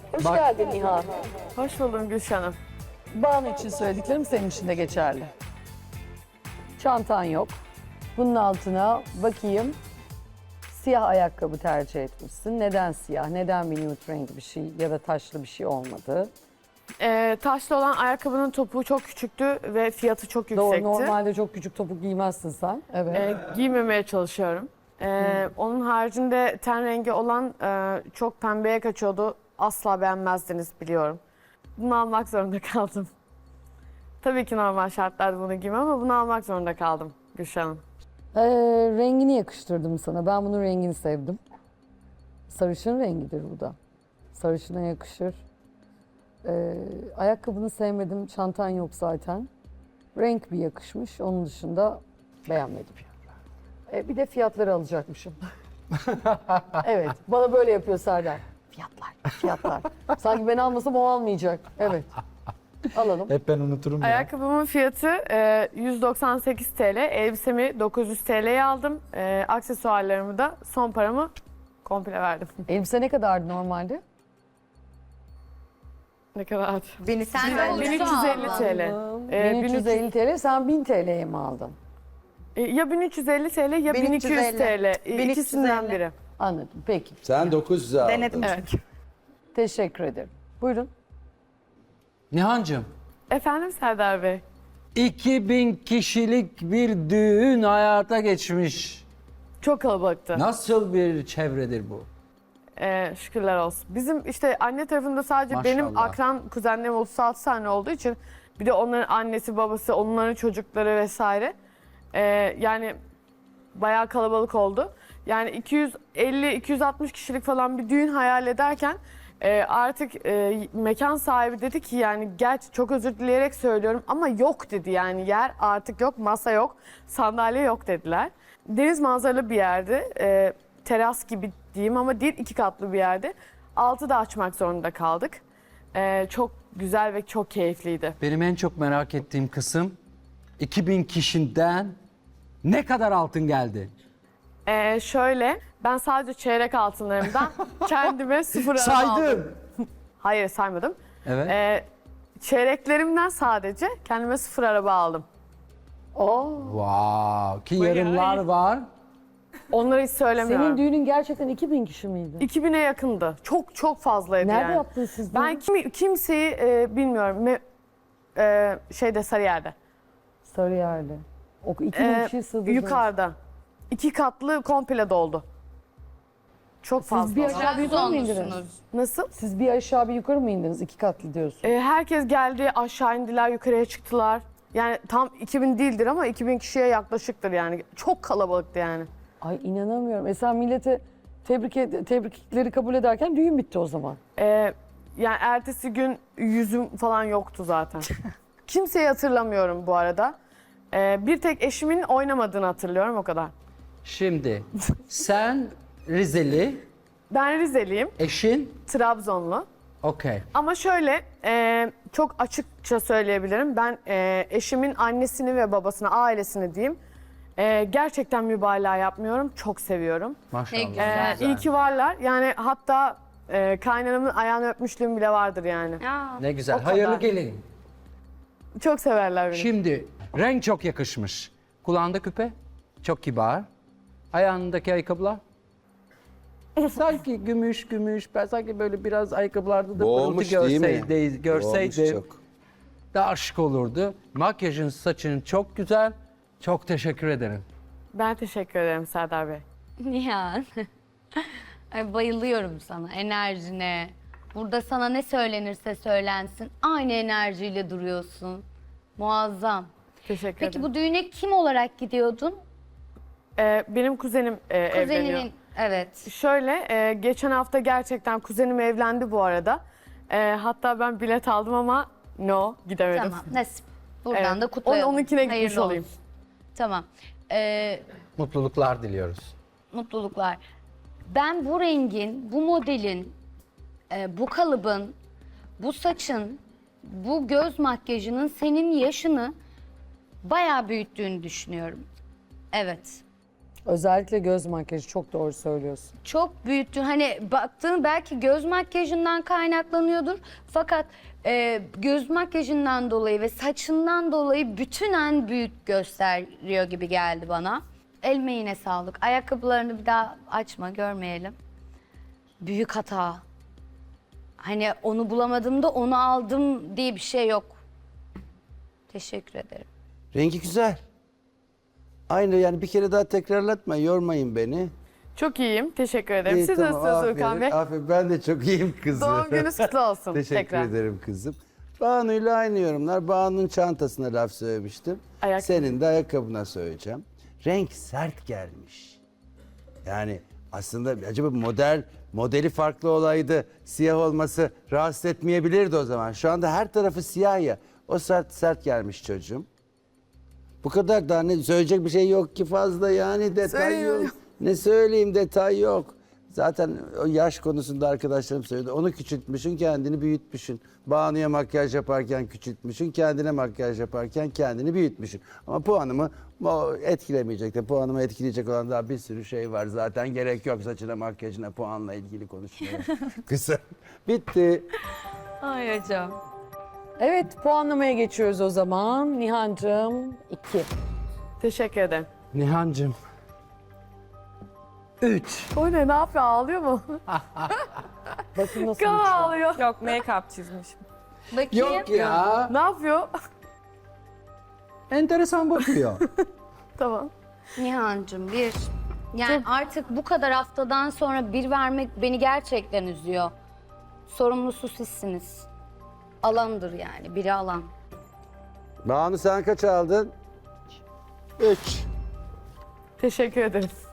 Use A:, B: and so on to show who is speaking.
A: Hoş geldin Nihan.
B: Hoş buldum Gülşen'im.
A: Banu için söylediklerim senin için de geçerli. Çantan yok. Bunun altına bakayım. Siyah ayakkabı tercih etmişsin. Neden siyah? Neden bir nude renk bir şey ya da taşlı bir şey olmadı?
B: Taşlı olan ayakkabının topuğu çok küçüktü ve fiyatı çok
A: Doğru,
B: yüksekti.
A: normalde çok küçük topuk giymezsin sen. Evet.
B: Giymemeye çalışıyorum. Onun haricinde ten rengi olan çok pembeye kaçıyordu. Asla beğenmezdiniz biliyorum. Bunu almak zorunda kaldım. Tabii ki normal şartlarda bunu giymem ama bunu almak zorunda kaldım Gülşen'im.
A: Rengini yakıştırdım sana. Ben bunun rengini sevdim. Sarışın rengidir bu da. Sarışına yakışır. Ayakkabını sevmedim. Çantan yok zaten. Renk bir yakışmış. Onun dışında beğenmedim. Bir de fiyatları alacakmışım. Evet. Bana böyle yapıyor Serdar. Fiyatlar. Sanki ben almasam o almayacak. Evet. Alalım.
C: Hep ben unuturum ya.
B: Ayakkabımın fiyatı 198 TL. Elbisemi 900 TL'ye aldım. Aksesuarlarımı da son paramı komple verdim.
A: Elbise ne kadardı normalde?
B: Ne kadar?
D: Sen de
B: 1350 TL.
A: 1350 TL. Sen 1000 TL'ye mi aldın?
B: Ya 1350 TL ya 1200 TL.
D: 1350.
B: İkisinden biri.
A: Anladım. Peki.
E: Sen 900'e aldın.
D: Denedim.
B: Evet.
A: Teşekkür ederim. Buyurun.
C: Nihancığım,
B: Efendim Serdar Bey?
C: 2000 kişilik bir düğün hayata geçmiş.
B: Çok kalabalıktı.
C: Nasıl bir çevredir bu?
B: Şükürler olsun. Bizim işte anne tarafında sadece
C: Maşallah.
B: benim akran kuzenlerim 36 tane olduğu için bir de onların annesi babası, onların çocukları vesaire. Yani bayağı kalabalık oldu. Yani 250-260 kişilik falan bir düğün hayal ederken artık mekan sahibi dedi ki yani gerçi çok özür dileyerek söylüyorum ama yok dedi yani yer artık yok, masa yok, sandalye yok dediler. Deniz manzaralı bir yerdi. Teras gibi diyeyim ama değil, 2 katlı bir yerde. Altı da açmak zorunda kaldık. Çok güzel ve çok keyifliydi.
C: Benim en çok merak ettiğim kısım 2000 kişiden ne kadar altın geldi?
B: Şöyle, ben sadece çeyrek altınlarımdan kendime 0 araba aldım.
C: Saydım.
B: Hayır saymadım.
C: Evet.
B: Çeyreklerimden sadece kendime 0 araba aldım.
C: Wow. Ki yarınlar var.
B: Onları hiç söylemiyorum.
A: Senin düğünün gerçekten 2000 kişi miydi?
B: 2000'e yakındı. Çok çok fazlaydı
A: Nerede
B: yani.
A: yaptınız siz
B: Ben kimseyi bilmiyorum. Şeyde Sarıyer'de.
A: Sarıyer'de. O 2000 kişiyi sığdırdınız.
B: Yukarıda. 2 katlı komple doldu. Çok fazla.
A: Siz bir aşağı bir yukarı mı indiniz?
B: Nasıl?
A: Siz bir aşağı bir yukarı mı indiniz? 2 katlı diyorsun.
B: Herkes geldi, aşağı indiler, yukarıya çıktılar. Yani tam 2000 değildir ama 2000 kişiye yaklaşıktır yani. Çok kalabalıktı yani.
A: Ay inanamıyorum. Sen millete tebrikleri kabul ederken düğün bitti o zaman.
B: Yani ertesi gün yüzüm falan yoktu zaten. Kimseyi hatırlamıyorum bu arada. Bir tek eşimin oynamadığını hatırlıyorum, o kadar.
C: Şimdi sen Rizeli,
B: Ben Rizeliyim,
C: eşin
B: Trabzonlu.
C: okey.
B: Ama şöyle çok açıkça söyleyebilirim. Ben eşimin annesini ve babasını, ailesini diyeyim. Gerçekten mübalağa yapmıyorum. Çok seviyorum.
C: Maşallah.
D: güzel.
B: İyi ki varlar. Yani hatta kaynanamın ayağını öpmüşlüğüm bile vardır yani.
C: Ne güzel.
B: O kadar.
C: Hayırlı gelin.
B: Çok severler beni.
C: Şimdi renk çok yakışmış. Kulağında küpe çok kibar. Ayağındaki ayakkabılar sanki gümüş. Ben sanki böyle biraz ayakkabılarda da pırıltı
E: Boğulmuş değil mi?
C: görseydim
E: Boğulmuş çok.
C: daha şık olurdu. Makyajın, saçın çok güzel. Çok teşekkür ederim.
B: Ben teşekkür ederim Serdar Bey.
D: Nihan. Ay, bayılıyorum sana, enerjine. Burada sana ne söylenirse söylensin. Aynı enerjiyle duruyorsun. Muazzam.
B: Teşekkür
D: Peki
B: ederim.
D: bu düğüne kim olarak gidiyordun?
B: Benim kuzenim evleniyor.
D: Kuzeninin, evet.
B: Şöyle, geçen hafta gerçekten kuzenim evlendi bu arada. Hatta ben bilet aldım ama gidemedim.
D: Tamam, nasip. Buradan
B: Evet.
D: da kutlayalım.
B: Onunkine gitmiş
D: Hayırlı
B: olayım.
D: olsun. Tamam.
C: Mutluluklar diliyoruz.
D: Mutluluklar. Ben bu rengin, bu modelin, bu kalıbın, bu saçın, bu göz makyajının senin yaşını bayağı büyüttüğünü düşünüyorum. Evet.
A: Özellikle göz makyajı çok doğru söylüyorsun.
D: Çok büyüttün. Hani baktığın belki göz makyajından kaynaklanıyordur. Fakat göz makyajından dolayı ve saçından dolayı bütünen büyük gösteriyor gibi geldi bana. Emeğine sağlık. Ayakkabılarını bir daha açma, görmeyelim. Büyük hata. Hani onu bulamadım da onu aldım diye bir şey yok. Teşekkür ederim.
E: Rengi güzel. Aynı yani bir kere daha tekrarlatma, yormayın beni.
B: Çok iyiyim. Teşekkür ederim.
E: İyi,
B: Siz
E: tamam,
B: nasılsınız Urkan Bey?
E: aferin. Ben de çok iyiyim kızım.
B: Doğum gününüz kutlu olsun.
E: Teşekkür
B: tekrar.
E: ederim kızım. Banu'yla aynı yorumlar. Banu'nun çantasına laf söylemiştim.
B: Ayakkabı.
E: Senin de ayakkabına söyleyeceğim. Renk sert gelmiş. Yani aslında acaba modeli farklı olaydı. Siyah olması rahatsız etmeyebilirdi o zaman. Şu anda her tarafı siyah ya. O sert gelmiş çocuğum. Bu kadar, daha ne söyleyecek bir şey yok ki fazla, yani detay yok. Ne söyleyeyim, detay yok. Zaten o yaş konusunda arkadaşlarım söyledi. Onu küçültmüşsün, kendini büyütmüşsün. Banu'ya makyaj yaparken küçültmüşsün, kendine makyaj yaparken kendini büyütmüşsün. Ama puanımı etkilemeyecek de, puanımı etkileyecek olan daha bir sürü şey var. Zaten gerek yok saçına makyajına puanla ilgili konuşmaya. Kısa. Bitti.
D: Ay hocam.
A: Evet, puanlamaya geçiyoruz o zaman. Nihan'cığım 2.
B: Teşekkür ederim.
C: Nihan'cığım. 3.
B: O ne yapıyor? Ağlıyor mu?
A: Bakın nasıl
B: Kan
A: uçuyor.
B: ağlıyor.
F: Yok, make-up çizmişim.
D: Bakayım.
C: Yok ya.
B: Ne yapıyor?
C: Enteresan bakıyor.
B: Tamam.
D: Nihan'cığım bir. Yani artık bu kadar haftadan sonra bir vermek beni gerçekten üzüyor. Sorumlusu sizsiniz. Alandır yani, biri alan.
E: Banu sen kaç aldın? 3.
B: Teşekkür ederim.